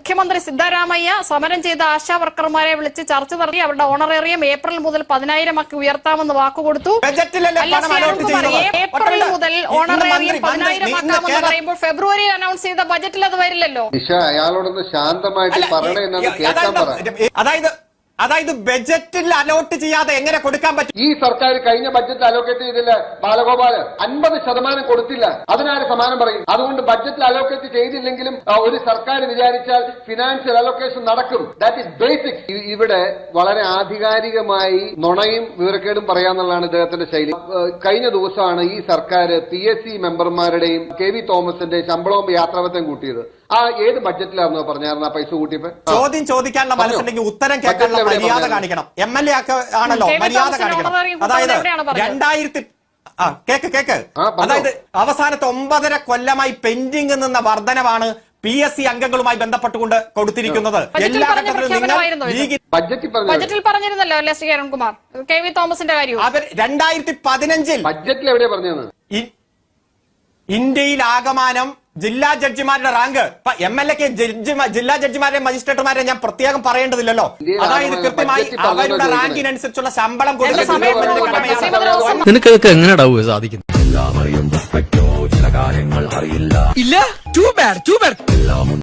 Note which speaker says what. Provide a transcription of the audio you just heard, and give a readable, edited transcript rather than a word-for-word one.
Speaker 1: മുഖ്യമന്ത്രി സിദ്ധരാമയ്യ സമരം ചെയ്ത ആശാ വർക്കർമാരെ വിളിച്ച് ചർച്ച നടത്തി അവരുടെ ഓണറേറിയം ഏപ്രിൽ മുതൽ 10,000 ആക്കി ഉയർത്താമെന്ന് വാക്കുകൊടുത്തു. ഏപ്രിൽ മുതൽ ഓണറേറിയം 10,000 ആക്കാമെന്ന് പറയുമ്പോൾ ഫെബ്രുവരിയിൽ അനൗൺസ് ചെയ്ത ബജറ്റിൽ അത് വരില്ലല്ലോ.
Speaker 2: അയാളോടൊന്ന് ശാന്തമായിട്ട് പറയണേ എന്നാണ് കേൾക്കാൻ പറ.
Speaker 3: അതായത് ബജറ്റിൽ അലോട്ട് ചെയ്യാതെ എങ്ങനെ കൊടുക്കാൻ പറ്റും?
Speaker 2: ഈ സർക്കാർ കഴിഞ്ഞ ബഡ്ജറ്റിൽ അലോക്കേറ്റ് ചെയ്തില്ല ബാലഗോപാല്, 50% കൊടുത്തില്ല. അതിനാര് സമാനം പറയും? അതുകൊണ്ട് ബഡ്ജറ്റിൽ അലോക്കേറ്റ് ചെയ്തില്ലെങ്കിലും ഒരു സർക്കാർ വിചാരിച്ചാൽ ഫിനാൻഷ്യൽ അലോക്കേഷൻ നടക്കും. That is basic. ഇവിടെ വളരെ ആധികാരികമായി നുണയും വിവരക്കേടും പറയാന്നുള്ളതാണ് ഇദ്ദേഹത്തിന്റെ ശൈലി. കഴിഞ്ഞ ദിവസമാണ് ഈ സർക്കാർ PSC മെമ്പർമാരുടെയും KV തോമസിന്റെയും ശമ്പളവും യാത്രാപത്യം കൂട്ടിയത്. ഏത് ബഡ്ജറ്റിലായിരുന്നു പറഞ്ഞായിരുന്നു ആ പൈസ കൂട്ടിയപ്പോ?
Speaker 3: ചോദ്യം ചോദിക്കാനുള്ള മനസ്സുണ്ടെങ്കിൽ ഉത്തരം കേൾക്കാനുള്ള മര്യാദ കാണിക്കണം. MLA ആണല്ലോ മര്യാദ കാണിക്കണം. അതായത് 2000 കേക്ക് അതായത് അവസാനത്തെ 9.5 കൊല്ലമായി പെൻഡിംഗ് നിന്ന വർധനവാണ് PSC അംഗങ്ങളുമായി ബന്ധപ്പെട്ടുകൊണ്ട് കൊടുത്തിരിക്കുന്നത്. എല്ലാ ഘട്ടത്തിലും
Speaker 1: ബജറ്റിൽ പറഞ്ഞിരുന്നല്ലോ അല്ലേ ശ്രീ അരുൺകുമാർ, KV തോമസിന്റെ കാര്യം.
Speaker 3: അവർ 2015
Speaker 2: ബഡ്ജറ്റിൽ എവിടെയാ പറഞ്ഞത്?
Speaker 3: ഇന്ത്യയിൽ ആകമാനം ജില്ലാ ജഡ്ജിമാരുടെ റാങ്ക് MLA ജില്ലാ ജഡ്ജിമാരെ മജിസ്ട്രേറ്റുമാരെ ഞാൻ പ്രത്യേകം പറയേണ്ടതില്ലല്ലോ. അതായത് കൃത്യമായി അവരുടെ റാങ്കിനനുസരിച്ചുള്ള ശമ്പളം കൊടുക്കുന്നത്.
Speaker 4: നിനക്കതൊക്കെ എങ്ങനെയാ സാധിക്കുന്നത്?
Speaker 5: ഇല്ല, ടു ബാഡ്